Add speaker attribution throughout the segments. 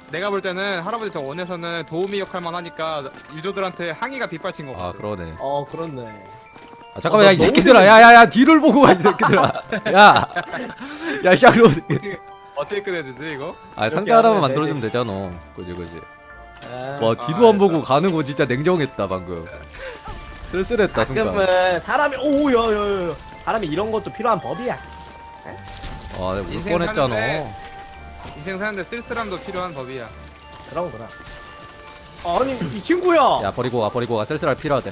Speaker 1: 내가 볼 때는 할아버지 저 원에서는 도우미 역할만 하니까 유저들한테 항의가 빗발친 거 같아.
Speaker 2: 그러네.
Speaker 3: 그렇네.
Speaker 2: 아 잠깐만 야 이
Speaker 3: 나 너무
Speaker 2: 새끼들아 야야야 뒤를 보고 가 이 새끼들아 야야 샤로
Speaker 1: 어떻게 끝내주지 이거?
Speaker 2: 아 상자
Speaker 3: 이렇게
Speaker 2: 하나만
Speaker 3: 하면
Speaker 2: 만들어주면 되잖아. 그지
Speaker 3: 아,
Speaker 2: 와 뒤도 안 보고 가는 거 진짜 냉정했다 방금. 쓸쓸했다 순간.
Speaker 3: 가끔은 사람이 오야야야 사람이 이런 것도 필요한 법이야.
Speaker 2: 아 내가 울
Speaker 1: 인생
Speaker 2: 뻔했잖아.
Speaker 1: 사는데 인생 사는데 쓸쓸함도 필요한 법이야.
Speaker 3: 그럼. 아니 이 친구야.
Speaker 2: 야 버리고 가 쓸쓸할 필요하대.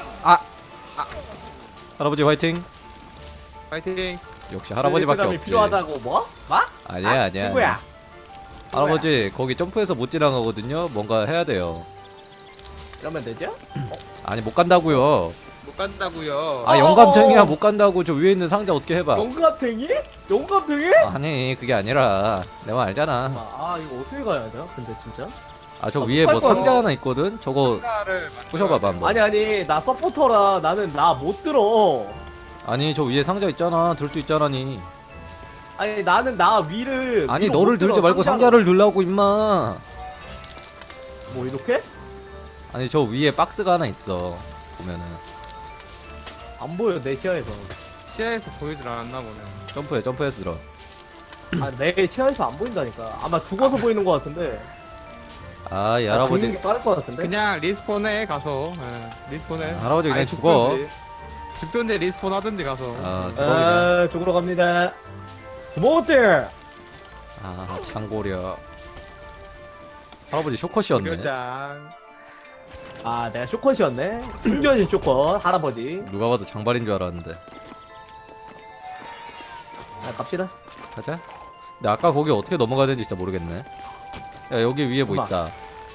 Speaker 2: 할아버지 화이팅.
Speaker 1: 파이팅.
Speaker 2: 역시 할아버지밖에
Speaker 3: 사람이
Speaker 2: 없지.
Speaker 3: 필요하다고 뭐?
Speaker 2: 아니야
Speaker 3: 친구야.
Speaker 2: 할아버지 거기 점프해서 못 지나가거든요. 뭔가 해야 돼요.
Speaker 3: 이러면 되죠?
Speaker 2: 아니 못 간다고요.
Speaker 1: 못 간다고요.
Speaker 2: 아 영감탱이야 못 간다고. 저 위에 있는 상자 어떻게 해봐.
Speaker 3: 용감탱이? 용감탱이?
Speaker 2: 아니 그게 아니라 내 말 알잖아.
Speaker 3: 이거 어떻게 가야 돼? 근데 진짜?
Speaker 2: 아 저 위에 뭐
Speaker 3: 못 갈 거야.
Speaker 2: 상자 하나 있거든. 저거
Speaker 1: 상자를
Speaker 2: 부셔봐봐 한번.
Speaker 3: 아니 나 서포터라 나는 나 못 들어.
Speaker 2: 아니 저 위에 상자 있잖아. 들 수 있잖아니.
Speaker 3: 아니 나는 나 위를
Speaker 2: 아니
Speaker 3: 위로
Speaker 2: 너를
Speaker 3: 못 들어,
Speaker 2: 들지 말고 상자를 들라고 임마.
Speaker 3: 뭐 이렇게?
Speaker 2: 아니 저 위에 박스가 하나 있어. 보면은
Speaker 3: 안 보여 내 시야에서.
Speaker 1: 시야에서 보이질 않았나 보네.
Speaker 2: 점프해서 들어.
Speaker 3: 내 시야에서 안 보인다니까. 아마 죽어서 보이는 것 같은데.
Speaker 2: 아 이
Speaker 3: 죽는
Speaker 2: 할아버지
Speaker 3: 게 빠를 것 같은데.
Speaker 1: 그냥 리스폰에 가서 리스폰에.
Speaker 2: 할아버지 그냥
Speaker 1: 아니,
Speaker 2: 죽어.
Speaker 1: 죽던데 리스폰 하던지 가서.
Speaker 2: 아 죽어 그냥.
Speaker 3: 죽으러 갑니다. 스모트.
Speaker 2: 아 창고려. 할아버지 쇼컷이었네.
Speaker 1: 교장.
Speaker 3: 내가 쇼컷이었네. 숨겨진 쇼컷 할아버지.
Speaker 2: 누가 봐도 장발인 줄 알았는데.
Speaker 3: 갑시다.
Speaker 2: 가자. 근데 아까 거기 어떻게 넘어가야 되는지 진짜 모르겠네. 야 여기 위에 뭐
Speaker 3: 엄마.
Speaker 2: 있다.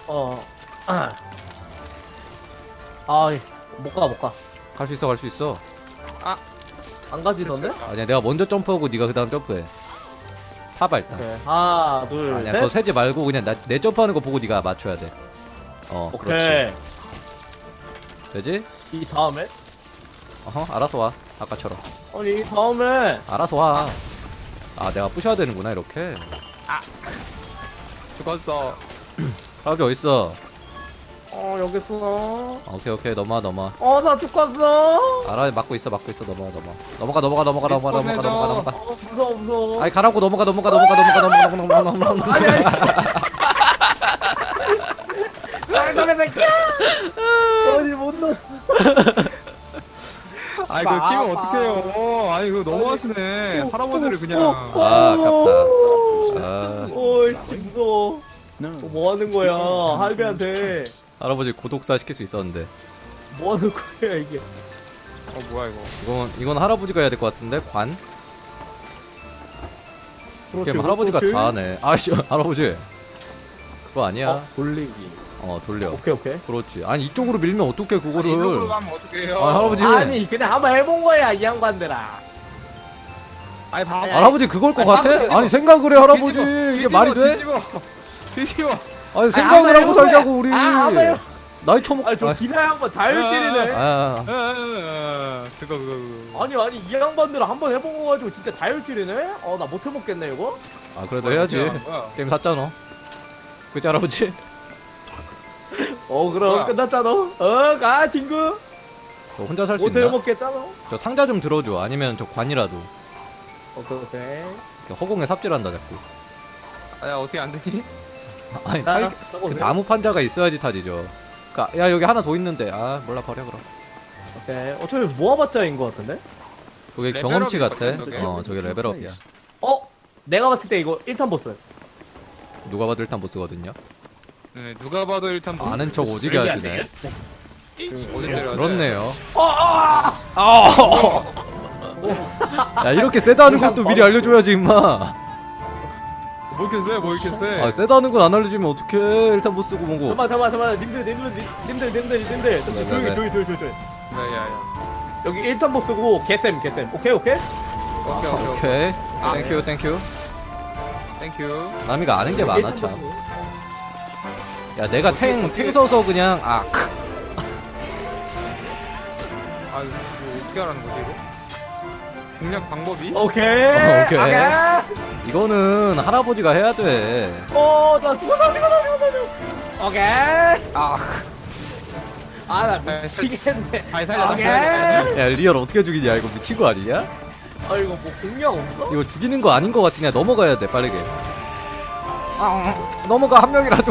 Speaker 3: 못 가.
Speaker 2: 갈 수 있어.
Speaker 3: 안 가지던데?
Speaker 2: 아니야 내가 먼저 점프하고 네가 그 다음 점프해. 타봐 일단.
Speaker 3: 오케이. 하나, 둘,
Speaker 2: 아니야
Speaker 3: 셋.
Speaker 2: 그거 세지 말고 그냥 내 점프하는 거 보고 네가 맞춰야 돼. 그렇지.
Speaker 3: 오케이.
Speaker 2: 되지?
Speaker 3: 이 다음에?
Speaker 2: 알아서 와. 아까처럼.
Speaker 3: 아니, 이 다음에.
Speaker 2: 알아서 와. 아 내가 부셔야 되는구나 이렇게.
Speaker 1: 죽었어.
Speaker 2: 할아버지 어딨어?
Speaker 3: 여기 있어.
Speaker 2: 오케이 넘어와.
Speaker 3: 나 죽었어.
Speaker 2: 알아 막고 있어 넘어가.
Speaker 3: 무서워.
Speaker 2: 아니 가라고 넘어가.
Speaker 3: 말도 새끼야. 아니, 못 넣었어.
Speaker 1: 아이 그거 끼면 어떡해요. 아니 그거 너무하시네. 할아버지를 그냥.
Speaker 2: 아 아깝다. 아
Speaker 3: 오이씨, 무서워. 뭐 하는 거야, 할배한테.
Speaker 2: 할아버지 고독사 시킬 수 있었는데.
Speaker 3: 뭐 하는 거야, 이게.
Speaker 1: 뭐야 이거.
Speaker 2: 이건 할아버지가 해야 될 것 같은데 관? 게임 할아버지가 다 하네. 아씨 할아버지 그거 아니야.
Speaker 3: 돌리기.
Speaker 2: 돌려.
Speaker 3: 오케이.
Speaker 2: 그렇지. 아니 이쪽으로 밀면 어떡해 그거를.
Speaker 1: 이쪽으로 가면 어떡해요.
Speaker 2: 할아버지.
Speaker 3: 아니, 그냥 한번 해본 거야, 이 양반들아.
Speaker 1: 아니 봐.
Speaker 2: 할아버지 그걸 것
Speaker 3: 아니,
Speaker 2: 같아?
Speaker 3: 빡세요.
Speaker 2: 아니 생각을 해 할아버지.
Speaker 1: 뒤집어,
Speaker 2: 이게 말이 돼?
Speaker 1: 뒤집어.
Speaker 2: 아니 생각을 하고 살자고 우리.
Speaker 3: 한번 해본
Speaker 2: 나이 처먹.
Speaker 3: 저 기나 양반 자율질이네.
Speaker 1: 그거.
Speaker 3: 아니, 이 양반들은 한번 해본 거 가지고 진짜 자율질이네? 나 못 해먹겠네, 이거?
Speaker 2: 그래도 해야지.
Speaker 1: 뭐야.
Speaker 2: 게임 샀잖아. 그치 할아버지?
Speaker 3: 그럼
Speaker 1: 뭐야?
Speaker 3: 끝났잖아. 가, 친구.
Speaker 2: 저 혼자 살 수
Speaker 3: 못
Speaker 2: 있나?
Speaker 3: 해먹겠잖아.
Speaker 2: 저 상자 좀 들어줘. 아니면 저 관이라도.
Speaker 3: 오케이.
Speaker 2: 이렇게 허공에 삽질한다 자꾸.
Speaker 1: 야 어떻게 안 되지?
Speaker 2: 아니 그 나무 판자가 있어야지 타지죠. 야 여기 하나 더 있는데. 몰라 버려 그럼.
Speaker 3: 오케이. 어차피 모아봤자인 거 같은데?
Speaker 2: 저게
Speaker 1: 레벨업일
Speaker 2: 경험치 같아.
Speaker 1: 거야, 저게.
Speaker 2: 저게 레벨업이야.
Speaker 3: 내가 봤을 때 이거 1탄 보스.
Speaker 2: 누가 봐도 일단 보스거든요.
Speaker 1: 네 누가 봐도 일단 뭐
Speaker 2: 아는 척 오지게 하시네.
Speaker 1: 어디 때려.
Speaker 2: 그렇네요. 야 이렇게 세다는 것도 미리 알려줘야지 임마.
Speaker 1: 뭐 이렇게 세? 뭐 이렇게 세?
Speaker 2: 세다는 건 안 알려주면 어떡해. 일단 보스고 뭐고.
Speaker 3: 잠깐만. 님들. 좀
Speaker 2: 네.
Speaker 3: 조용히.
Speaker 1: 야야야.
Speaker 3: 여기 1탄 보스고 개쌤. 오케이.
Speaker 1: 오케이.
Speaker 2: 땡큐.
Speaker 1: 땡큐.
Speaker 2: 남이가 아는 게 많아 참. 야 내가 탱 서서 그냥
Speaker 1: 뭐 어떻게 하라는 거지 이거? 공략 방법이?
Speaker 3: 오케이.
Speaker 2: 오케이. 이거는 할아버지가 해야 돼.
Speaker 3: 나 죽었어. 오케이. 나 미치겠네.
Speaker 1: 아니 살려
Speaker 3: 오케이.
Speaker 1: 살려.
Speaker 2: 야 리얼 어떻게 죽이냐 이거 미친 거 아니냐?
Speaker 3: 이거 뭐 공략 없어?
Speaker 2: 이거 죽이는 거 아닌 거 같으냐 넘어가야 돼 빠르게. 넘어가 한 명이라도.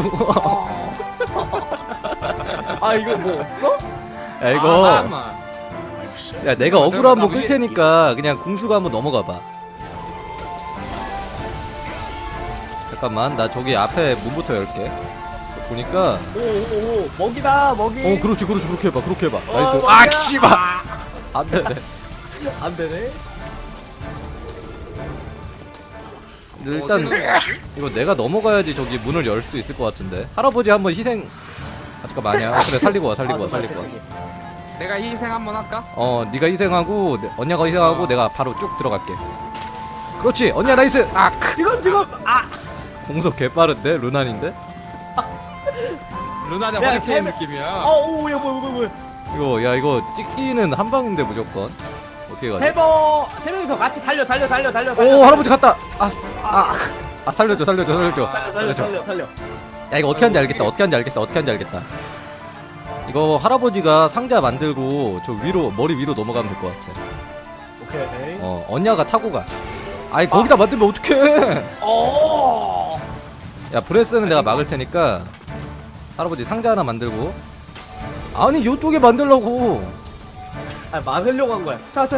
Speaker 3: 이거 뭐 없어?
Speaker 2: 야 이거
Speaker 1: 잠깐만.
Speaker 2: 야 내가 어그로 한번 끌 테니까 그냥 궁수가 한번 넘어가 봐. 잠깐만 나 저기 앞에 문부터 열게. 보니까
Speaker 3: 오 먹이다 먹이.
Speaker 2: 그렇지 그렇게 해봐 나이스.
Speaker 3: 먹이야.
Speaker 2: 씨발 안 되네.
Speaker 3: 안 되네.
Speaker 2: 일단 이거 내가 넘어가야지 저기 문을 열 수 있을 것 같은데. 할아버지 한번 희생. 잠깐만 아니야. 그래 살리고 와.
Speaker 1: 내가 희생 한번 할까?
Speaker 2: 네가 희생하고 언니가 희생하고 내가 바로 쭉 들어갈게. 그렇지 언니야 나이스.
Speaker 3: 지금
Speaker 2: 공속 개빠른데 루난인데.
Speaker 1: 루나는
Speaker 3: 야,
Speaker 1: 허리케인
Speaker 3: 세-
Speaker 1: 느낌이야.
Speaker 3: 오야 뭐야.
Speaker 2: 이거 찍기는 한 방인데 무조건. 어떻게 가지?
Speaker 3: 세 명이서 같이 달려.
Speaker 2: 오 할아버지 갔다. 살려줘.
Speaker 3: 살려.
Speaker 2: 야 이거 어떻게 하는지 알겠다. 이거 할아버지가 상자 만들고 저 위로 머리 위로 넘어가면 될 것 같아.
Speaker 3: 오케이.
Speaker 2: 언니가 타고 가. 거기다 만들면 어떡해? 야 브레스는 내가 막을 테니까 할아버지 상자 하나 만들고. 아니 요쪽에 만들라고.
Speaker 3: 막으려고 한 거야. 타.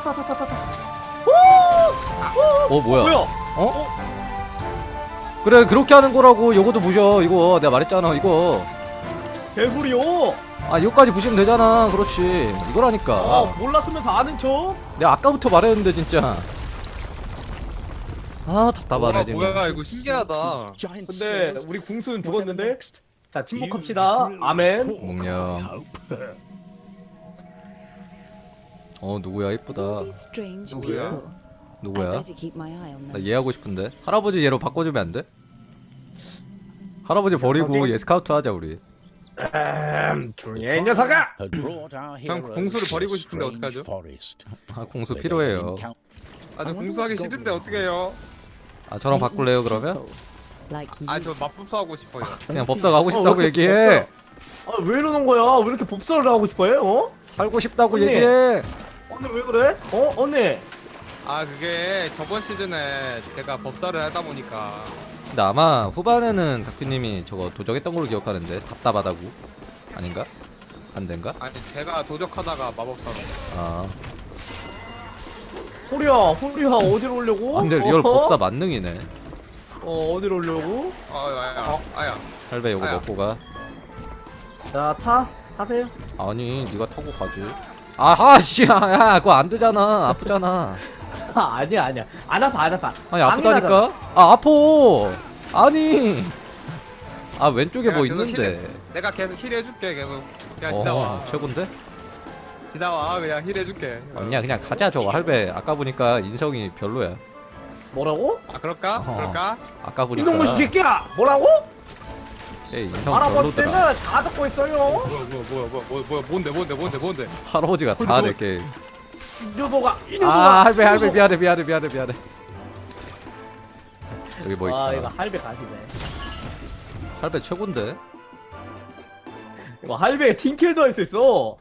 Speaker 2: 뭐야? 그래 그렇게 하는 거라고. 요거도 부셔. 이거 내가 말했잖아 이거.
Speaker 3: 개구리요.
Speaker 2: 이거까지 부시면 되잖아. 그렇지 이거라니까.
Speaker 3: 몰랐으면서 아는 척.
Speaker 2: 내가 아까부터 말했는데 진짜. 답답하네 지금.
Speaker 1: 뭐야 이거 신기하다.
Speaker 3: 근데 우리 궁수는 죽었는데. 자 침묵합시다. 아멘.
Speaker 2: 몽냥. 누구야 이쁘다.
Speaker 1: 누구야?
Speaker 2: 누구야? 나 얘 하고 싶은데. 할아버지 얘로 바꿔주면 안 돼? 할아버지 버리고 얘 스카우트 하자 우리.
Speaker 3: 조용히 해 녀석아.
Speaker 1: 형 공수를 버리고 싶은데 어떡하죠?
Speaker 2: 공수 필요해요.
Speaker 1: 저 공수하기 싫은데 어떻게 해요?
Speaker 2: 저랑 바꿀래요 그러면?
Speaker 1: 저 맞법사 하고 싶어요.
Speaker 2: 그냥 법사가 하고 싶다고 얘기해.
Speaker 3: 왜 이러는 거야? 왜 이렇게 법사를 하고 싶어요?
Speaker 2: 살고 싶다고
Speaker 3: 언니.
Speaker 2: 얘기해.
Speaker 3: 언니 왜 그래? 언니.
Speaker 1: 그게 저번 시즌에 제가 법사를 하다 보니까
Speaker 2: 근데 아마 후반에는 다큐님이 저거 도적했던 걸로 기억하는데 답답하다고. 아닌가? 안 된가?
Speaker 1: 제가 도적하다가 마법사로.
Speaker 3: 호리야 어디로 오려고?
Speaker 2: 근데 리얼 법사 만능이네.
Speaker 3: 어디로 오려고?
Speaker 1: 아야.
Speaker 2: 할배 요거
Speaker 1: 아야.
Speaker 2: 먹고 가.
Speaker 3: 자 타세요.
Speaker 2: 아니 네가 타고 가지. 씨, 야 그거 안 되잖아. 아프잖아.
Speaker 3: 아니야 안 아파.
Speaker 2: 아니 아프다니까. 아파. 아니. 왼쪽에 뭐
Speaker 1: 계속
Speaker 2: 있는데.
Speaker 1: 내가 계속 힐 해줄게 계속. 그냥 지나와.
Speaker 2: 최곤데?
Speaker 1: 지나와 그냥 힐 해줄게.
Speaker 2: 아니야 그냥 가자 저거. 할배 아까 보니까 인성이 별로야.
Speaker 3: 뭐라고?
Speaker 1: 그럴까?
Speaker 2: 아까 보니까
Speaker 3: 이놈의 새끼야! 뭐라고?
Speaker 2: 얘 인성
Speaker 3: 할아버지 때는
Speaker 2: 별로더라.
Speaker 3: 다 듣고 있어요.
Speaker 1: 뭐야 뭔데?
Speaker 2: 할아버지가 다 내게.
Speaker 3: 이녀도가
Speaker 2: 할배 미안해. 여기 뭐 있다.
Speaker 3: 이거 할배 가시네.
Speaker 2: 할배 최곤데?
Speaker 3: 이거 할배에 팅킬도 할 수 있어.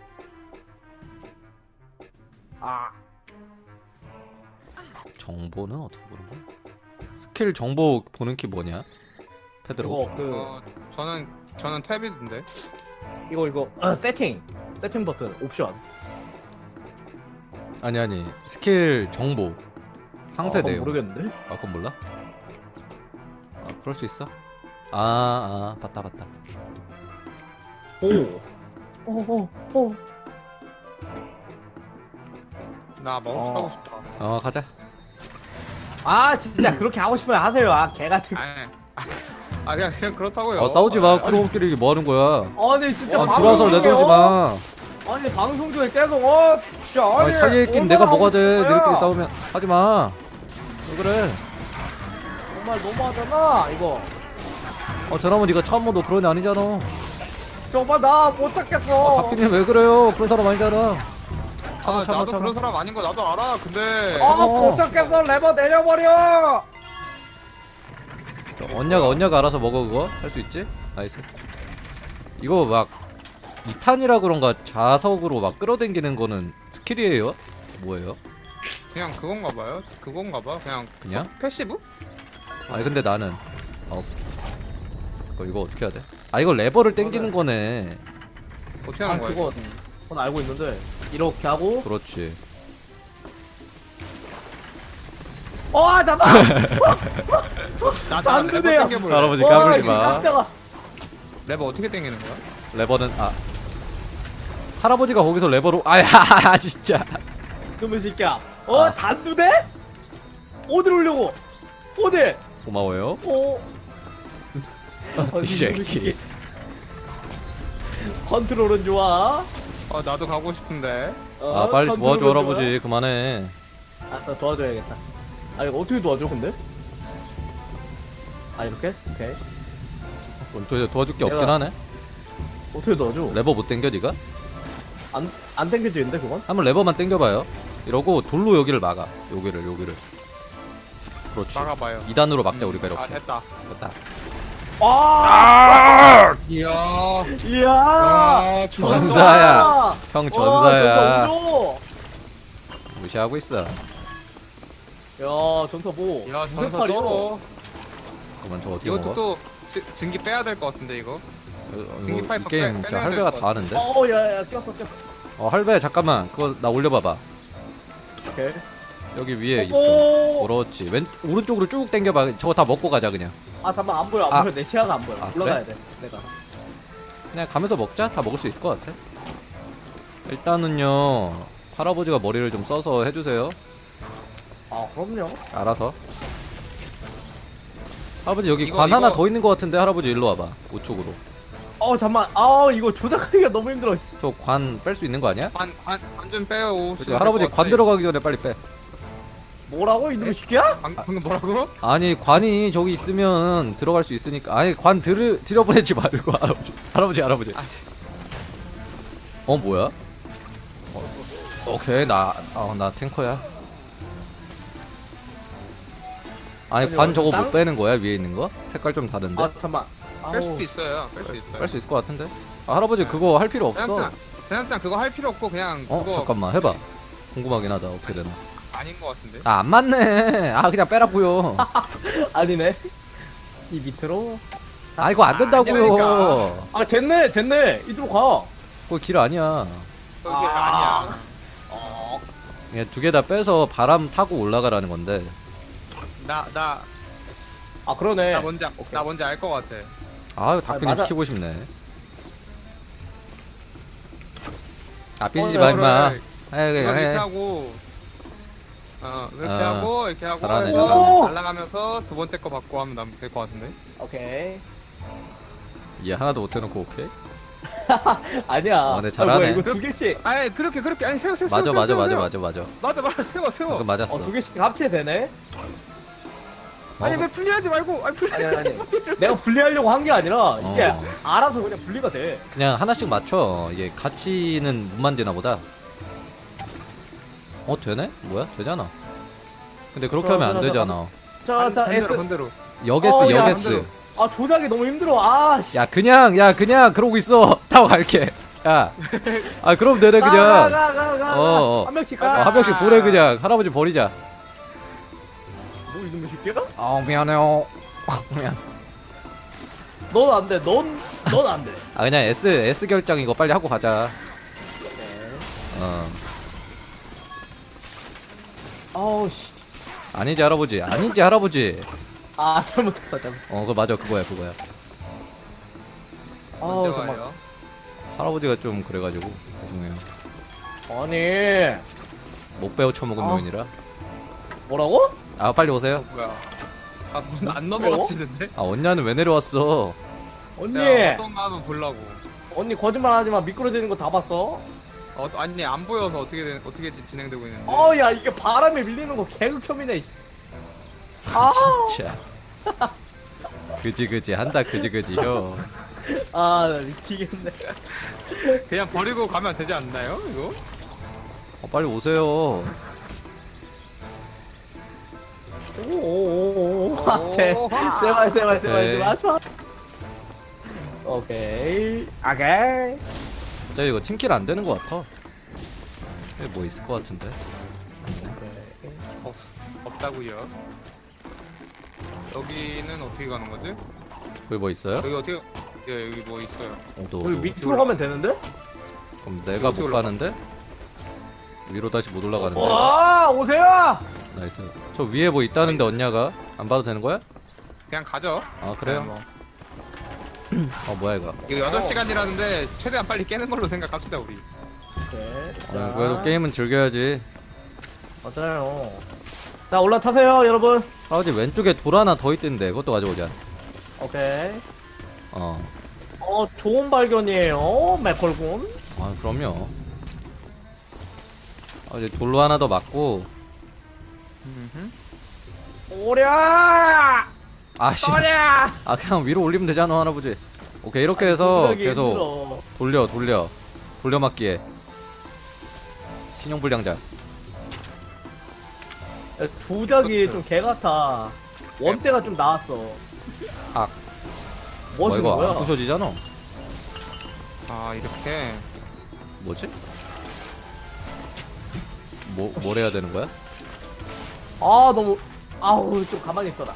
Speaker 2: 정보는 어떻게 보는 거야? 스킬 정보 보는 키 뭐냐? 페드로.
Speaker 1: 저는 탭이던데.
Speaker 3: 이거 세팅 버튼 옵션.
Speaker 2: 아니 스킬 정보 상세 내용.
Speaker 3: 모르겠는데.
Speaker 2: 그건 몰라? 그럴 수 있어? 봤다.
Speaker 3: 오.
Speaker 1: 나 마법사 하고 싶다.
Speaker 2: 가자.
Speaker 3: 진짜 그렇게 하고 싶으면 하세요. 개 같은.
Speaker 1: 그냥 그렇다고요.
Speaker 2: 싸우지 마. 크로우끼리 뭐 하는 거야?
Speaker 3: 아니 진짜
Speaker 2: 불화설 내돌지 마.
Speaker 3: 아니 방송 중에 계속 진짜
Speaker 2: 사이에 낀 내가 뭐가 돼? 너희끼리 싸우면 하지 마. 왜 그래?
Speaker 3: 정말 너무하잖아 이거.
Speaker 2: 저러면 네가 처음 너 그런 애 아니잖아.
Speaker 3: 정말 나 못 찾겠어.
Speaker 2: 박빈님 왜 그래요? 그런 사람 아니잖아.
Speaker 1: 아 나도 그런 사람 아닌 거 나도 알아. 근데
Speaker 3: 못 찾겠어. 레버 내려버려.
Speaker 2: 언니가 알아서 먹어 그거? 할 수 있지? 나이스. 이거 막 2탄이라 그런가 자석으로 막 끌어당기는 거는 스킬이에요? 뭐예요?
Speaker 1: 그냥 그건가 봐요. 그건가 봐. 그냥 패시브?
Speaker 2: 아니 근데 나는 이거 어떻게 해야 돼? 아 이거 레버를 당기는 거네.
Speaker 1: 어떻게 하는 거야?
Speaker 3: 그건 알고 있는데 이렇게 하고.
Speaker 2: 그렇지.
Speaker 3: 잠깐.
Speaker 1: 나 레버
Speaker 3: 돼요.
Speaker 1: 당겨볼래.
Speaker 2: 할아버지 까불지 마.
Speaker 3: 깜짝아.
Speaker 1: 레버 어떻게 당기는 거야?
Speaker 2: 레버는 할아버지가 거기서 레버로 아야 진짜.
Speaker 3: 그놈의 새끼야.
Speaker 2: 아.
Speaker 3: 단두대? 어디로 오려고? 어디?
Speaker 2: 고마워요. 이 새끼.
Speaker 3: 컨트롤은 좋아.
Speaker 1: 나도 가고 싶은데.
Speaker 2: 빨리
Speaker 3: 컨트롤은
Speaker 2: 도와줘
Speaker 3: 좋아.
Speaker 2: 할아버지 그만해.
Speaker 3: 알았어, 도와줘야겠다. 이거 어떻게 도와줘 근데? 이렇게? 오케이.
Speaker 2: 도와줄 게 없긴
Speaker 3: 내가-
Speaker 2: 하네.
Speaker 3: 어떻게 도와줘?
Speaker 2: 레버 못 당겨 니가?
Speaker 3: 안 당겨지는데 그건?
Speaker 2: 한번 레버만 당겨봐요. 이러고 돌로 여기를 막아. 여기를. 그렇지.
Speaker 1: 막아봐요.
Speaker 2: 2단으로 막자 우리가 이렇게.
Speaker 1: 됐다.
Speaker 2: 됐다.
Speaker 1: 이야.
Speaker 3: 이야.
Speaker 2: 전사야. 형 전사야.
Speaker 3: 전사
Speaker 2: 무시하고 있어.
Speaker 3: 야, 전사 뭐?
Speaker 1: 야
Speaker 3: 무슨
Speaker 1: 전사
Speaker 3: 팔이야?
Speaker 1: 쩔어.
Speaker 2: 그만 저 어떻게
Speaker 1: 이것도
Speaker 2: 먹어?
Speaker 1: 또 증기 빼야 될 것 같은데 이거.
Speaker 2: 이거 이
Speaker 1: 파이프
Speaker 2: 게임
Speaker 1: 빼-
Speaker 2: 진짜
Speaker 1: 빼내야
Speaker 2: 할배가
Speaker 1: 될
Speaker 2: 다 하는데?
Speaker 3: 야, 꼈어.
Speaker 2: 할배 잠깐만 그거 나 올려봐봐.
Speaker 3: 오케이.
Speaker 2: 여기 위에 있어.
Speaker 3: 오.
Speaker 2: 그렇지. 오른쪽으로 쭉 당겨봐. 저거 다 먹고 가자 그냥.
Speaker 3: 잠깐만 안 보여. 내 시야가 안 보여. 올라가야 돼. 내가.
Speaker 2: 그냥 가면서 먹자. 다 먹을 수 있을 것 같아. 일단은요 할아버지가 머리를 좀 써서 해주세요.
Speaker 3: 그럼요.
Speaker 2: 알아서. 할아버지 여기
Speaker 1: 이거-
Speaker 2: 관 하나
Speaker 1: 이거-
Speaker 2: 더 있는 것 같은데 할아버지 일로 와봐. 우측으로.
Speaker 3: 잠만. 이거 조작하기가 너무 힘들어.
Speaker 2: 저 관 뺄 수 있는 거 아니야?
Speaker 1: 관좀 빼요.
Speaker 2: 그치, 할아버지 관 들어가기 전에 빨리 빼.
Speaker 3: 뭐라고 이놈의 새끼야?
Speaker 1: 방금 뭐라고?
Speaker 2: 아니 관이 저기 있으면 들어갈 수 있으니까. 아니 관 들여보내지 말고 할아버지. 뭐야? 오케이 나 탱커야. 아니 관 저거 못 빼는 거야 위에 있는 거? 색깔 좀 다른데?
Speaker 3: 잠만.
Speaker 1: 뺄 수도 있어요. 뺄 수 있어요.
Speaker 2: 뺄 수 있을 것 같은데? 할아버지 그거 할 필요 없어.
Speaker 1: 대장장 그거 할 필요 없고 그냥 그거
Speaker 2: 잠깐만 해봐. 궁금하긴 하다 어떻게 되나.
Speaker 1: 아닌 것 같은데.
Speaker 2: 안 맞네. 그냥 빼라고요.
Speaker 3: 아니네. 이 밑으로.
Speaker 2: 이거 안 된다고요.
Speaker 1: 아니라니까.
Speaker 3: 됐네. 이리로 가.
Speaker 2: 그거 길 아니야.
Speaker 1: 그게 아니야.
Speaker 2: 그냥 두 개 다 빼서 바람 타고 올라가라는 건데.
Speaker 3: 그러네.
Speaker 1: 나 뭔지 알 것 같아.
Speaker 2: 이거 다크님
Speaker 3: 맞아.
Speaker 2: 시키고 싶네. 삐지지 마 임마.
Speaker 1: 이거
Speaker 2: 그냥
Speaker 1: 이렇게
Speaker 2: 해.
Speaker 1: 하고 이렇게 하고
Speaker 2: 잘하네,
Speaker 1: 해서
Speaker 3: 잘하네.
Speaker 1: 날아가면서 두 번째 거 받고 하면 될 것 같은데.
Speaker 3: 오케이.
Speaker 2: 얘 하나도 못 해놓고 오케이.
Speaker 3: 아니야.
Speaker 2: 네, 잘하네.
Speaker 3: 뭐야, 이거 두 개씩.
Speaker 1: 그렇게 아니 세워.
Speaker 2: 맞아.
Speaker 1: 맞아 세워.
Speaker 2: 방금 맞았어.
Speaker 3: 두 개씩 합체되네.
Speaker 1: 아니 왜 분리하지 말고.
Speaker 3: 아니. 내가 분리하려고 한 게 아니라 이게
Speaker 2: 어.
Speaker 3: 알아서 그냥 분리가 돼.
Speaker 2: 그냥 하나씩 맞춰. 이게 같이는 못 만드나 보다. 되네? 뭐야? 되잖아. 근데 그렇게 하면 안 되잖아.
Speaker 3: 자, S.
Speaker 1: 반대로.
Speaker 2: 역S.
Speaker 3: 야, 조작이 너무 힘들어.
Speaker 2: 야 그냥 그러고 있어. 타고 갈게. 야. 그럼 되네 그냥.
Speaker 3: 가. 한 명씩 가.
Speaker 2: 한 명씩 보내 그냥. 할아버지 버리자.
Speaker 3: 뭐 이놈의 새끼야?
Speaker 2: 미안해요. 미안.
Speaker 3: 넌 안 돼. 넌 안 돼.
Speaker 2: 그냥 S 결정 이거 빨리 하고 가자.
Speaker 3: 씨.
Speaker 2: 아니지 할아버지.
Speaker 3: 잘못했어.
Speaker 2: 그거 맞아 그거야.
Speaker 1: 언제
Speaker 3: 잠깐.
Speaker 1: 와요?
Speaker 2: 할아버지가 좀 그래가지고 죄송해요.
Speaker 3: 아니.
Speaker 2: 못 배워 처먹은 놈이라.
Speaker 3: 뭐라고?
Speaker 2: 빨리 오세요.
Speaker 1: 뭐야? 안 넘어가지는데?
Speaker 2: 언니는 왜 내려왔어?
Speaker 3: 언니.
Speaker 1: 어떤가 한번 보려고.
Speaker 3: 언니 거짓말하지 마. 미끄러지는 거 다 봤어.
Speaker 1: 아니 안 보여서 어떻게 진행되고 있는데.
Speaker 3: 야, 이게 바람에 밀리는 거 개극혐이네. 씨.
Speaker 2: 진짜. 그지 한다 그지 혀.
Speaker 3: 나 미치겠네.
Speaker 1: 그냥 버리고 가면 되지 않나요? 이거?
Speaker 2: 빨리 오세요.
Speaker 3: 오오오오.
Speaker 1: 오.
Speaker 3: 제발. 오케이. 오케이.
Speaker 2: 자 이거 팀킬 안 되는 것 같아. 여기 뭐 있을 것 같은데.
Speaker 1: 없다고요. 여기는 어떻게 가는 거지?
Speaker 2: 거기 뭐 있어요?
Speaker 1: 여기 어떻게? 예, 여기 뭐 있어요.
Speaker 2: 너,
Speaker 3: 여기 밑으로 가면 되는데?
Speaker 2: 그럼 내가
Speaker 1: 어떻게
Speaker 2: 못
Speaker 1: 올라가?
Speaker 2: 가는데? 위로 다시 못 올라가는데.
Speaker 3: 와 오세요.
Speaker 2: 나이스. 저 위에 뭐 있다는데 언냐가 안 봐도 되는 거야?
Speaker 1: 그냥 가죠.
Speaker 2: 아 그래요?
Speaker 1: 뭐.
Speaker 2: 뭐야 이거?
Speaker 1: 이거 8시간이라는데 최대한 빨리 깨는 걸로 생각합시다 우리.
Speaker 3: 오케이.
Speaker 2: 그래도 게임은 즐겨야지.
Speaker 3: 맞아요. 자 올라타세요 여러분.
Speaker 2: 아버지 왼쪽에 돌 하나 더 있던데 그것도 가져오자.
Speaker 3: 오케이.
Speaker 2: 어.
Speaker 3: 좋은 발견이에요 맥콜군.
Speaker 2: 아 그럼요. 이제 돌로 하나 더 맞고.
Speaker 3: 오랴.
Speaker 2: 아씨.
Speaker 3: 오랴.
Speaker 2: 아 그냥 위로 올리면 되잖아 할아버지. 오케이 이렇게 해서 계속 돌려 맞기에 신용불량자.
Speaker 3: 조작이 좀 개같아. 원대가 좀 나왔어.
Speaker 2: 아.
Speaker 3: 뭐
Speaker 2: 뭐
Speaker 3: 하시는
Speaker 2: 이거
Speaker 3: 거야?
Speaker 2: 안 부셔지잖아.
Speaker 1: 아 이렇게.
Speaker 2: 뭐지? 뭘 해야 되는 거야?
Speaker 3: 아 너무 아우 좀 가만히 있어라.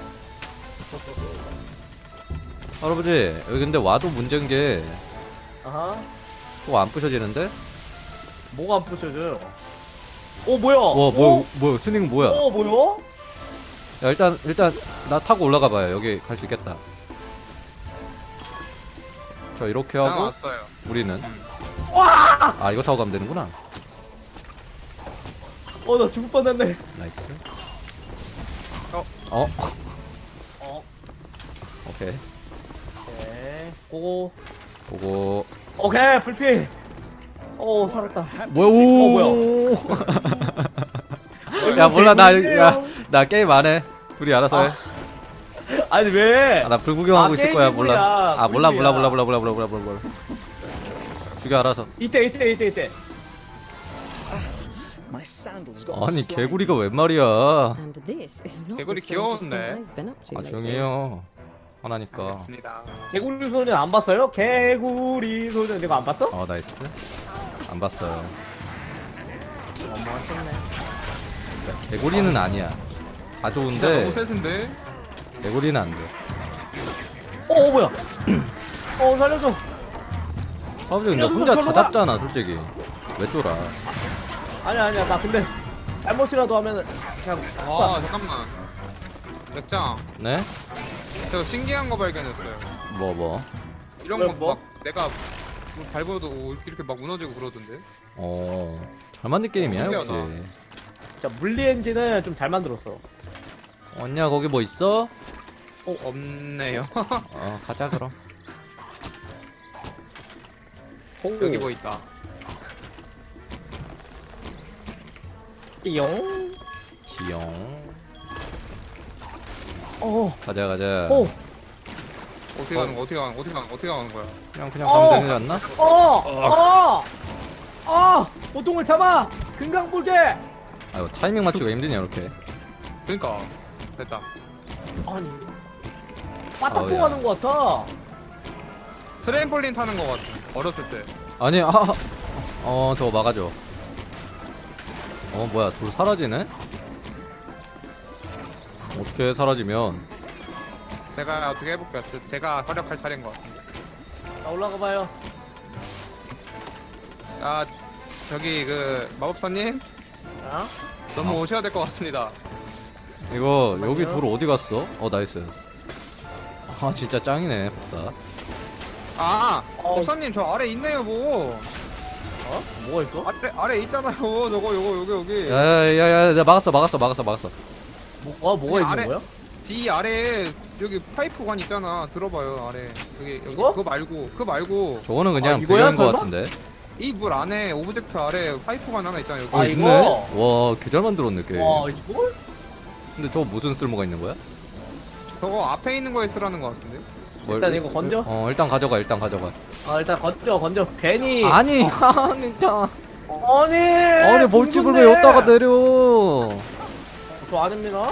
Speaker 2: 할아버지 여기 근데 와도 문제인 게
Speaker 3: 아하.
Speaker 2: 또 안 부셔지는데?
Speaker 3: 뭐가 안 부셔져요? 뭐야?
Speaker 2: 와 뭐야 스닝 뭐야?
Speaker 3: 뭐야?
Speaker 2: 야 일단 나 타고 올라가 봐요. 여기 갈 수 있겠다. 자 이렇게
Speaker 1: 그냥
Speaker 2: 하고
Speaker 1: 왔어요.
Speaker 2: 우리는
Speaker 3: 와!
Speaker 2: 아 이거 타고 가면 되는구나.
Speaker 3: 나 죽을 뻔했네.
Speaker 2: 나이스.
Speaker 1: 어.
Speaker 2: 오케이.
Speaker 3: 오케이. 고고.
Speaker 2: 보고
Speaker 3: 오케이 불피. 살았다.
Speaker 2: 뭐야 오 야 몰라 나 게임 안 해. 둘이 알아서 해.
Speaker 3: 아니 왜?
Speaker 2: 나 불구경하고 있을 거야. 몰라.
Speaker 3: 게임이야,
Speaker 2: 아 몰라.
Speaker 3: 불피야.
Speaker 2: 죽여 알아서.
Speaker 3: 이때.
Speaker 4: My sandals got
Speaker 2: 아니
Speaker 4: slime.
Speaker 2: 개구리가 웬 말이야.
Speaker 5: And this is not
Speaker 1: 개구리
Speaker 5: the strangest thing
Speaker 1: 귀여운데?
Speaker 5: I've been up to
Speaker 2: 아
Speaker 5: lately.
Speaker 2: 조용히 해요. 하나니까.
Speaker 1: 알겠습니다.
Speaker 3: 개구리 소년 안 봤어요? 개구리 소년 이거 안 봤어?
Speaker 2: 나이스. 안 봤어요.
Speaker 3: 너무하셨네.
Speaker 2: 야, 개구리는 아니야. 다
Speaker 1: 진짜
Speaker 2: 좋은데
Speaker 1: 너무 세신데?
Speaker 2: 개구리는 안 돼.
Speaker 3: 뭐야? 살려줘.
Speaker 2: 아버지 근데
Speaker 3: 야,
Speaker 2: 혼자 다
Speaker 3: 저로 가.
Speaker 2: 잡잖아 솔직히. 왜 쫄아?
Speaker 3: 아니야 나 근데 잘못이라도 하면은 그냥
Speaker 1: 와 잠깐만. 맥장.
Speaker 2: 네?
Speaker 1: 저 신기한 거 발견했어요.
Speaker 2: 뭐?
Speaker 1: 이런
Speaker 3: 왜,
Speaker 1: 거
Speaker 3: 뭐?
Speaker 1: 막 내가 밟아도 이렇게 막 무너지고 그러던데.
Speaker 2: 잘 만든 게임이야 역시.
Speaker 3: 신기하다. 진짜 물리 엔진은 좀 잘 만들었어.
Speaker 2: 언니야 거기 뭐 있어?
Speaker 1: 없네요.
Speaker 2: 가자 그럼.
Speaker 1: 여기 뭐 있다.
Speaker 3: 띠용.
Speaker 2: 지영. 가자.
Speaker 1: 어떻게 가는 거야? 어떻게 가는 거야?
Speaker 2: 그냥 가면 되지 않나?
Speaker 3: 보통을 잡아. 금강불개.
Speaker 2: 아 이거 타이밍 맞추기가 힘드냐 이렇게.
Speaker 1: 그러니까 됐다.
Speaker 3: 아니. 빠따
Speaker 2: 야.
Speaker 3: 통하는 거 같아.
Speaker 1: 트램폴린 타는 거 같아. 어렸을 때.
Speaker 2: 아니 저거 막아줘. 뭐야 돌 사라지네? 어떻게 사라지면
Speaker 1: 제가 어떻게 해볼게요. 제가 활약할 차례인 것 같은데.
Speaker 3: 자 올라가 봐요.
Speaker 1: 아 저기 그 마법사님 너무 오셔야 될 것 같습니다.
Speaker 2: 이거
Speaker 3: 잠깐만요.
Speaker 2: 여기 돌 어디 갔어? 나이스. 진짜 짱이네 법사.
Speaker 1: 법사님 저 아래 있네요 뭐.
Speaker 3: 뭐가 있어?
Speaker 1: 아래 있잖아요. 저거 여기.
Speaker 2: 야야야 내가 막았어.
Speaker 3: 뭐가 있는
Speaker 1: 아래-
Speaker 3: 거야?
Speaker 1: 뒤 아래에 여기 파이프관 있잖아. 들어봐요 아래. 여기
Speaker 3: 이거?
Speaker 1: 그거 말고
Speaker 2: 저거는 그냥
Speaker 3: 이거야,
Speaker 2: 배경인 거
Speaker 3: 설마?
Speaker 2: 같은데.
Speaker 1: 이 물 안에 오브젝트 아래 파이프관 하나 있잖아 여기.
Speaker 3: 아, 이거?
Speaker 2: 와, 개 잘 만들었네 게임.
Speaker 3: 와 이걸?
Speaker 2: 근데 저거 무슨 쓸모가 있는 거야?
Speaker 1: 저거 앞에 있는 거에 쓰라는 거 같은데.
Speaker 3: 일단 이거 건져?
Speaker 2: 일단 가져가.
Speaker 3: 일단 건져. 괜히
Speaker 2: 아니, 진짜. 아니 벌집을 왜 여기다가 내려?
Speaker 3: 저 아닙니다.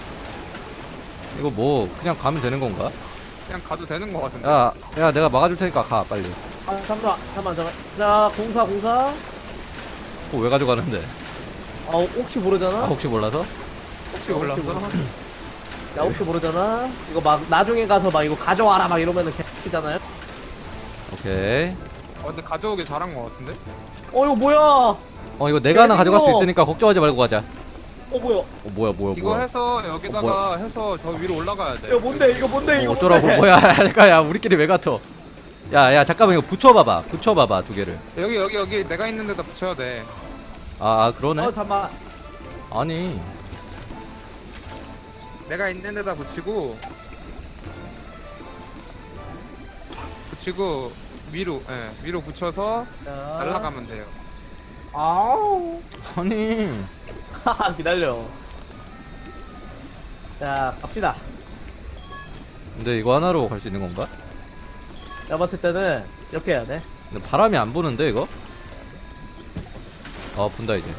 Speaker 2: 이거 뭐 그냥 가면 되는 건가?
Speaker 1: 그냥 가도 되는 거 같은데.
Speaker 2: 야 내가 막아줄 테니까 가 빨리.
Speaker 3: 아 잠깐만. 자 공사.
Speaker 2: 그거 왜 가져가는데?
Speaker 3: 아 혹시 모르잖아.
Speaker 2: 혹시 몰라서?
Speaker 1: 혹시 몰랐어?
Speaker 3: 야 혹시 모르잖아. 이거 막 나중에 가서 막 이거 가져와라 막 이러면은 개치잖아요.
Speaker 2: 오케이.
Speaker 1: 근데 가져오길 잘한 거 같은데?
Speaker 3: 이거 뭐야?
Speaker 2: 이거 내가 하나 가져갈 수
Speaker 3: 이거.
Speaker 2: 있으니까 걱정하지 말고 가자.
Speaker 3: 뭐야?
Speaker 2: 뭐야.
Speaker 1: 이거 해서 여기다가
Speaker 2: 뭐야.
Speaker 1: 해서 저 위로 올라가야 돼.
Speaker 3: 이거 뭔데? 이거
Speaker 2: 어쩌라고
Speaker 3: 뭔데?
Speaker 2: 뭐야 야 우리끼리 왜 같어? 야 잠깐만 이거 붙여봐봐 두 개를.
Speaker 1: 여기 내가 있는 데다 붙여야 돼.
Speaker 2: 그러네.
Speaker 3: 잠깐만.
Speaker 2: 아니
Speaker 1: 내가 있는 데다 붙이고 위로 붙여서
Speaker 3: 자.
Speaker 1: 날아가면 돼요.
Speaker 3: 아우.
Speaker 2: 아니
Speaker 3: 기다려. 자 갑시다.
Speaker 2: 근데 이거 하나로 갈 수 있는 건가?
Speaker 3: 내가 봤을 때는 이렇게 해야 돼.
Speaker 2: 근데 바람이 안 부는데 이거? 분다 이제.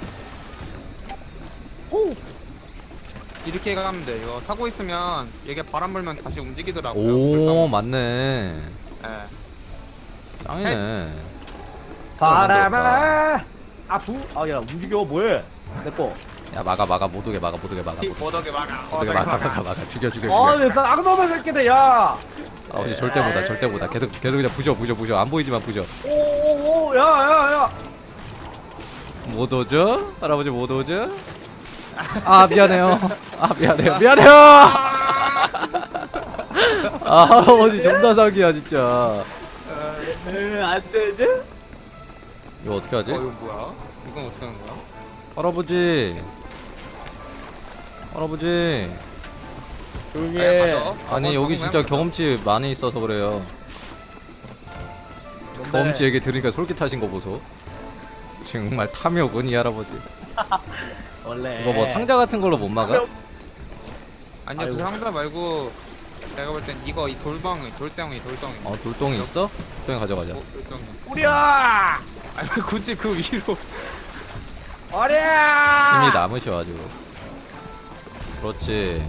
Speaker 3: 오.
Speaker 1: 이렇게 가면 돼. 이거 타고 있으면 얘게 바람 불면 다시 움직이더라고요.
Speaker 2: 오 맞네.
Speaker 1: 예.
Speaker 2: 짱이네.
Speaker 3: 바람아. 야 움직여 뭐해? 내꺼.
Speaker 2: 야 막아 못 오게 막아.
Speaker 1: 못하게 막아.
Speaker 2: 어떻게 막아 죽여.
Speaker 3: 내 쌍놈의 새끼들 야.
Speaker 2: 아버지 절대 못다. 계속 그냥 부셔. 안 보이지만 부셔.
Speaker 3: 오오오 야.
Speaker 2: 못 오죠? 할아버지 못 오죠? 미안해요. 할아버지 존나 사기야 진짜.
Speaker 3: 안 되지?
Speaker 2: 이거 어떻게 하지?
Speaker 1: 이거 뭐야? 이건 어떻게 하는 거야?
Speaker 2: 할아버지
Speaker 3: 조용히
Speaker 1: 네,
Speaker 3: 해.
Speaker 1: 가져.
Speaker 2: 아니 여기 진짜 경험치 많이 있어서 그래요. 경험치 얘기 들으니까 솔깃하신 거 보소. 정말 탐욕은 이 할아버지.
Speaker 3: 원래
Speaker 2: 이거 뭐 상자 같은 걸로 못 막아?
Speaker 1: 아니요,
Speaker 3: 아이고.
Speaker 1: 그 상자 말고 내가 볼 땐 이거 이 돌덩이.
Speaker 2: 돌덩이 있어? 돌덩이 가져가자.
Speaker 1: 돌덩이.
Speaker 3: 우리야.
Speaker 1: 아니 굳이 그 위로.
Speaker 3: 어리야.
Speaker 2: 힘이 남으셔가지고. 그렇지.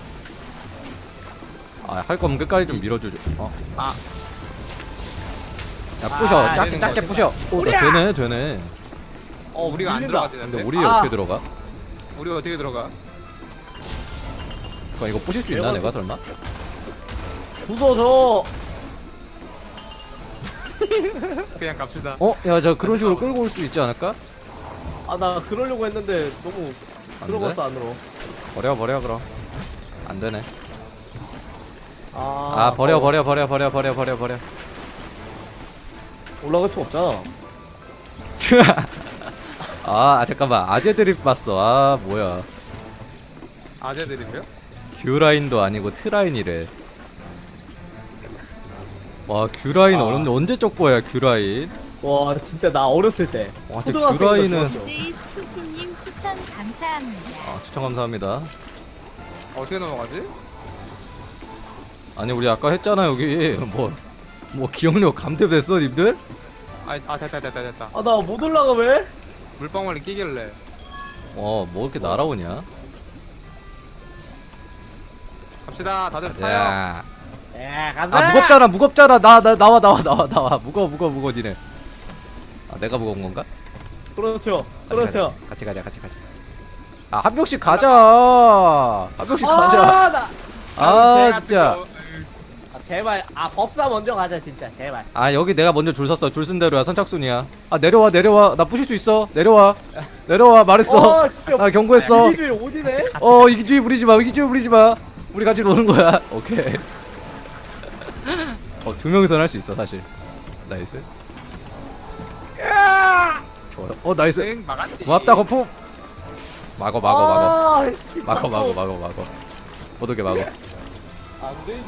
Speaker 2: 할 거면 끝까지 좀 밀어주죠.
Speaker 1: 아,
Speaker 2: 야 부셔.
Speaker 1: 되는
Speaker 2: 짧게
Speaker 1: 거
Speaker 2: 부셔. 나 되네.
Speaker 1: 우리가 안
Speaker 3: 밀린다.
Speaker 2: 근데
Speaker 1: 들어가지는데.
Speaker 2: 우리 어떻게 들어가?
Speaker 1: 우리 어떻게 들어가?
Speaker 2: 그럼 이거 부실 수 있나 내가 설마?
Speaker 3: 부서져.
Speaker 1: 그냥 갑시다.
Speaker 2: 야 저 그런 식으로 끌고 올 수 있지 않을까?
Speaker 3: 나 그러려고 했는데 너무
Speaker 2: 안
Speaker 3: 들어갔어 안으로.
Speaker 2: 버려 그럼. 안 되네.
Speaker 3: 버려.
Speaker 2: 버려.
Speaker 3: 올라갈 수 없잖아.
Speaker 2: 잠깐만 아재 드립 봤어. 뭐야.
Speaker 1: 아재들이요?
Speaker 2: 큐라인도 아니고 트라인이래. 와 큐라인 언제 쪽보야 큐라인.
Speaker 3: 와 진짜 나 어렸을 때.
Speaker 2: 와 근데
Speaker 3: 초등학생
Speaker 2: 큐라인은
Speaker 3: 때
Speaker 5: DJ 스토키님 추천 감사합니다.
Speaker 2: 추천 감사합니다.
Speaker 1: 어떻게 넘어가지?
Speaker 2: 아니 우리 아까 했잖아 여기 뭐 기억력 감퇴됐어 님들?
Speaker 1: 됐다.
Speaker 3: 나 못 올라가 왜?
Speaker 1: 물방울이 끼길래.
Speaker 2: 뭐 이렇게 날아오냐?
Speaker 1: 갑시다. 다들 타요.
Speaker 2: 야.
Speaker 3: 가자.
Speaker 2: 무겁잖아. 나와. 무거워 니네. 내가 무거운 건가?
Speaker 3: 그렇죠.
Speaker 2: 같이 가자. 한 명씩 가자.
Speaker 3: 나
Speaker 2: 진짜.
Speaker 3: 제발 법사 먼저 가자 진짜 제발.
Speaker 2: 여기 내가 먼저 줄 섰어. 줄 쓴 대로야. 선착순이야. 내려와. 나 부실 수 있어. 내려와. 말했어.
Speaker 3: 진짜
Speaker 2: 나 경고했어.
Speaker 3: 이기주의 오지네.
Speaker 2: 이기주의 부리지 마. 우리 같이 노는 거야. 오케이. 두 명이서는 할 수 있어 사실. 나이스. 좋아. 나이스.
Speaker 1: 응, 막았지.
Speaker 2: 고맙다 거품. 막어.
Speaker 3: 씨,
Speaker 2: 막어. 못 오게 막어.
Speaker 3: 안 되지.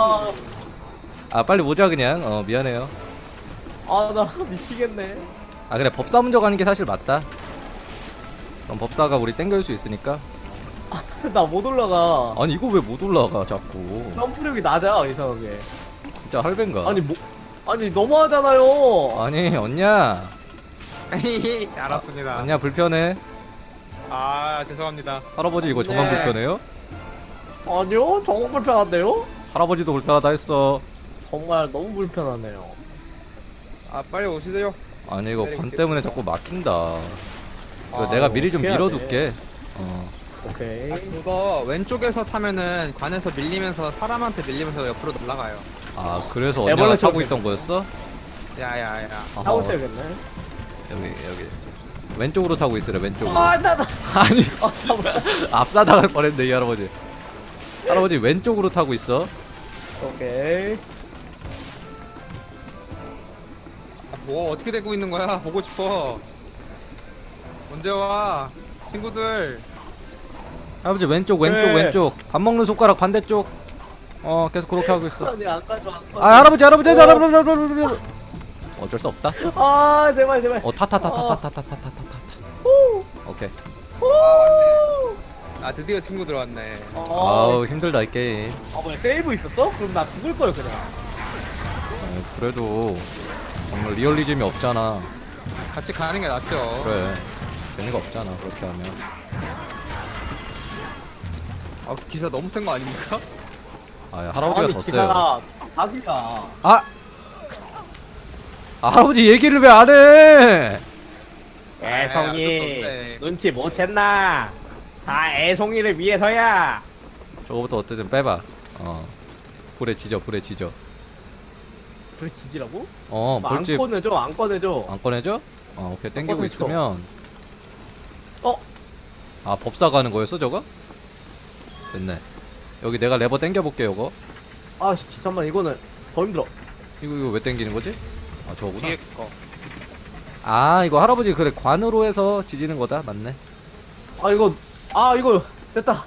Speaker 2: 빨리 오자 그냥. 미안해요.
Speaker 3: 나 미치겠네.
Speaker 2: 그래 법사 먼저 가는 게 사실 맞다. 그럼 법사가 우리 땡겨줄 수 있으니까.
Speaker 3: 나 못 올라가.
Speaker 2: 아니 이거 왜 못 올라가 자꾸.
Speaker 3: 점프력이 낮아 이상하게.
Speaker 2: 진짜 할벤가.
Speaker 3: 아니 너무하잖아요.
Speaker 2: 아니 언냐.
Speaker 1: 알았습니다.
Speaker 2: 아니야 불편해.
Speaker 1: 아 죄송합니다.
Speaker 2: 할아버지 이거 저만
Speaker 3: 네.
Speaker 2: 불편해요?
Speaker 3: 아니요, 정말 불편한데요?
Speaker 2: 할아버지도 불편하다 했어.
Speaker 3: 정말 너무 불편하네요.
Speaker 1: 아 빨리 오시세요.
Speaker 2: 아니 이거 관 때문에 자꾸 막힌다. 이거
Speaker 3: 아,
Speaker 2: 내가 미리 좀
Speaker 3: 어떻게 해야
Speaker 2: 밀어둘게.
Speaker 3: 오케이.
Speaker 1: 그거 왼쪽에서 타면은 관에서 밀리면서 사람한테 밀리면서 옆으로 날아가요.
Speaker 2: 아 그래서
Speaker 3: 애벌레
Speaker 2: 언니가 타고
Speaker 3: 처럼
Speaker 2: 있던 거였어?
Speaker 1: 야야야.
Speaker 2: 아하,
Speaker 3: 타고 있어야겠네.
Speaker 2: 여기 왼쪽으로 타고 있으래 왼쪽으로.
Speaker 3: 나.
Speaker 2: 아니
Speaker 3: 잠깐만.
Speaker 2: 앞사당할 뻔했네 이 할아버지. 할아버지 왼쪽으로 타고 있어.
Speaker 3: 오케이.
Speaker 1: 뭐 어떻게 되고 있는 거야? 보고 싶어. 언제 와? 친구들.
Speaker 2: 할아버지 왼쪽
Speaker 3: 네.
Speaker 2: 왼쪽. 밥 먹는 손가락 반대쪽. 계속 그렇게 하고 있어.
Speaker 3: 아니 안 가져 안 가져.
Speaker 2: 아 할아버지 어쩔 수 없다.
Speaker 3: 아 제발.
Speaker 2: 타타타타타타타타타타타. 오케이.
Speaker 1: 아 드디어 친구들 왔네.
Speaker 2: 아우 힘들다 이 게임.
Speaker 3: 뭐야 세이브 있었어? 그럼 나 죽을 거야 그냥.
Speaker 2: 그래도 정말 리얼리즘이 없잖아.
Speaker 1: 같이 가는 게 낫죠.
Speaker 2: 그래 재미가 없잖아 그렇게 하면.
Speaker 1: 아 기사 너무 센 거 아닙니까?
Speaker 2: 아 할아버지가 더 세요.
Speaker 3: 기사가 자기가.
Speaker 2: 아 할아버지 얘기를 왜 안 해?
Speaker 3: 애송이
Speaker 1: 없네.
Speaker 3: 눈치 못 챘나? 다 애송이를 위해서야.
Speaker 2: 저거부터 어떻게든 빼봐. 불에 지져.
Speaker 3: 불 지지라고? 안
Speaker 2: 볼집
Speaker 3: 꺼내줘 안 꺼내줘.
Speaker 2: 안 꺼내줘? 오케이 땡기고
Speaker 3: 꺼내줘.
Speaker 2: 있으면.
Speaker 3: 어?
Speaker 2: 아 법사 가는 거였어 저거? 됐네. 여기 내가 레버 땡겨볼게 요거.
Speaker 3: 아 잠깐만 이거는 더 힘들어.
Speaker 2: 이거 왜 땡기는 거지? 아 저거구나.
Speaker 1: 뒤에 거.
Speaker 2: 아 이거 할아버지 그래 관으로 해서 지지는 거다 맞네.
Speaker 3: 아 이거 됐다.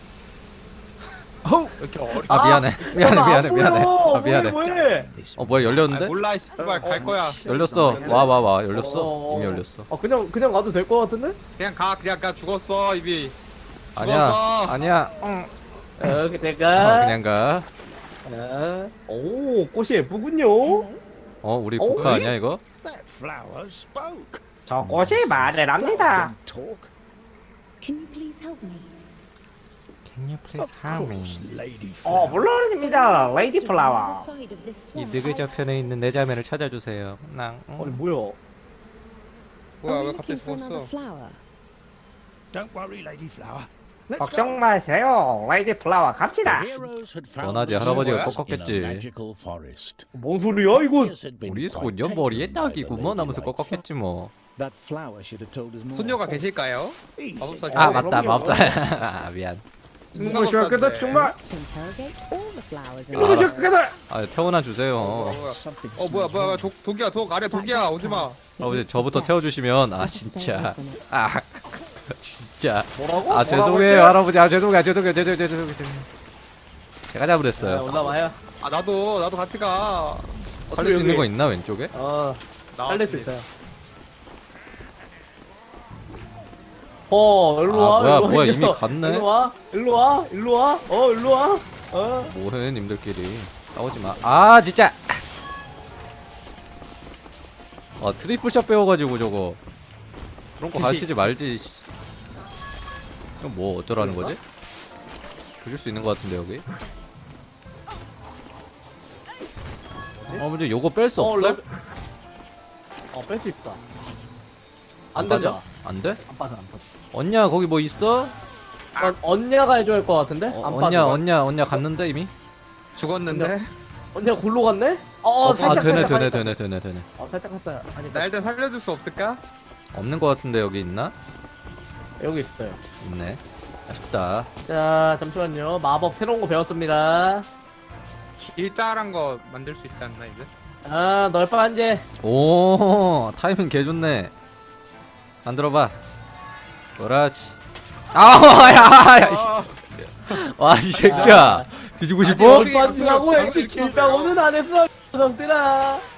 Speaker 2: 어우.
Speaker 1: 이렇게 어리.
Speaker 2: 아 미안해. 미안해. 아 미안해.
Speaker 3: 뭐해?
Speaker 2: 뭐야 열렸는데?
Speaker 1: 아, 몰라 씨발 갈 거야.
Speaker 2: 열렸어. 와 열렸어. 이미 열렸어.
Speaker 3: 그냥 가도 될 것 같은데?
Speaker 1: 그냥 가 죽었어 이비.
Speaker 2: 아니야.
Speaker 3: 이렇게 될까?
Speaker 2: 그냥 가.
Speaker 3: 오 꽃이 예쁘군요.
Speaker 2: 우리 국화 아니야 이거?
Speaker 4: That flower spoke.
Speaker 3: 저 꽃이 말을 합니다.
Speaker 4: Don't talk.
Speaker 5: Can you please help me?
Speaker 2: Can you please
Speaker 4: Of course, lady
Speaker 3: 어
Speaker 4: flower.
Speaker 3: 물론입니다, 레이디 플라워.
Speaker 2: 이 느그저편에 있는 내 자매를 찾아주세요. 낭.
Speaker 3: 아니 뭐야?
Speaker 1: 뭐야 왜 갑자기 죽었어?
Speaker 4: Don't worry, lady flower. Let's
Speaker 3: 걱정
Speaker 4: go.
Speaker 3: 마세요, 레이디 플라워 갑시다.
Speaker 4: The heroes had found
Speaker 2: 원하지,
Speaker 4: the
Speaker 2: 할아버지가
Speaker 4: secrets
Speaker 2: 꺾었겠지.
Speaker 4: in a magical forest.
Speaker 3: 뭔 소리야 이건?
Speaker 4: Years had been
Speaker 2: 우리
Speaker 4: quite
Speaker 2: 소년 머리에
Speaker 4: taken by the
Speaker 2: 딱이구먼 하면서
Speaker 4: ladylike
Speaker 2: 꺾었겠지 뭐.
Speaker 4: That flower should have told us more.
Speaker 1: 소녀가 계실까요?
Speaker 4: Easy.
Speaker 1: 마법사
Speaker 2: 아
Speaker 1: 네,
Speaker 2: 맞다
Speaker 3: 그럼요.
Speaker 2: 마법사. 미안.
Speaker 3: 이거 시작해서 정말
Speaker 2: 아,
Speaker 3: 이거 시작해서.
Speaker 2: 태워놔 주세요.
Speaker 4: Something
Speaker 1: 뭐야 독이야 독 아래 독이야 오지마.
Speaker 2: 할아버지 저부터 태워주시면 진짜 진짜
Speaker 3: 뭐라고?
Speaker 2: 아 죄송해요 할아버지 죄송해요 제가 잘못했어요.
Speaker 3: 올라와요.
Speaker 1: 아 나도 같이 가.
Speaker 2: 살릴 수 있는
Speaker 3: 여기.
Speaker 2: 거 있나 왼쪽에?
Speaker 3: 살릴 수 있어요. 일로
Speaker 2: 아,
Speaker 3: 와.
Speaker 2: 뭐야,
Speaker 3: 일로 와,
Speaker 2: 뭐야,
Speaker 3: 이
Speaker 2: 이미
Speaker 3: 녀석.
Speaker 2: 갔네?
Speaker 3: 일로 와. 일로 와.
Speaker 2: 뭐해 님들끼리 싸우지 마. 아 진짜. 트리플샷 배워가지고 저거 그런 거 가르치지 말지. 이건 뭐 어쩌라는 거지? 보실 수 있는 거 같은데 여기. 문제 요거 뺄 수 없어?
Speaker 3: 뺄 수 있다.
Speaker 2: 안
Speaker 3: 안
Speaker 2: 빠져?
Speaker 3: 된다.
Speaker 2: 안 돼?
Speaker 3: 안 빠져.
Speaker 2: 언냐 거기 뭐 있어?
Speaker 3: 언니가 해줘야 할 것 같은데? 안 빠져.
Speaker 2: 언냐 갔는데 이미?
Speaker 1: 죽었는데.
Speaker 3: 언니가 골로 갔네? 살짝
Speaker 2: 되네.
Speaker 3: 살짝 했어요. 아니
Speaker 1: 나 일단 살려줄 수 없을까?
Speaker 2: 없는 거 같은데 여기 있나?
Speaker 3: 여기 있어요.
Speaker 2: 있네. 아쉽다.
Speaker 3: 자 잠시만요. 마법 새로운 거 배웠습니다.
Speaker 1: 길다란 거 만들 수 있지 않나 이제?
Speaker 3: 널빤제.
Speaker 2: 오 타이밍 개 좋네. 만들어봐. 그렇지. 야. 와 이 새끼야. 뒤지고 싶어?
Speaker 3: 널빤지라고 이렇게 길다고는 안 했어. 녀석들아.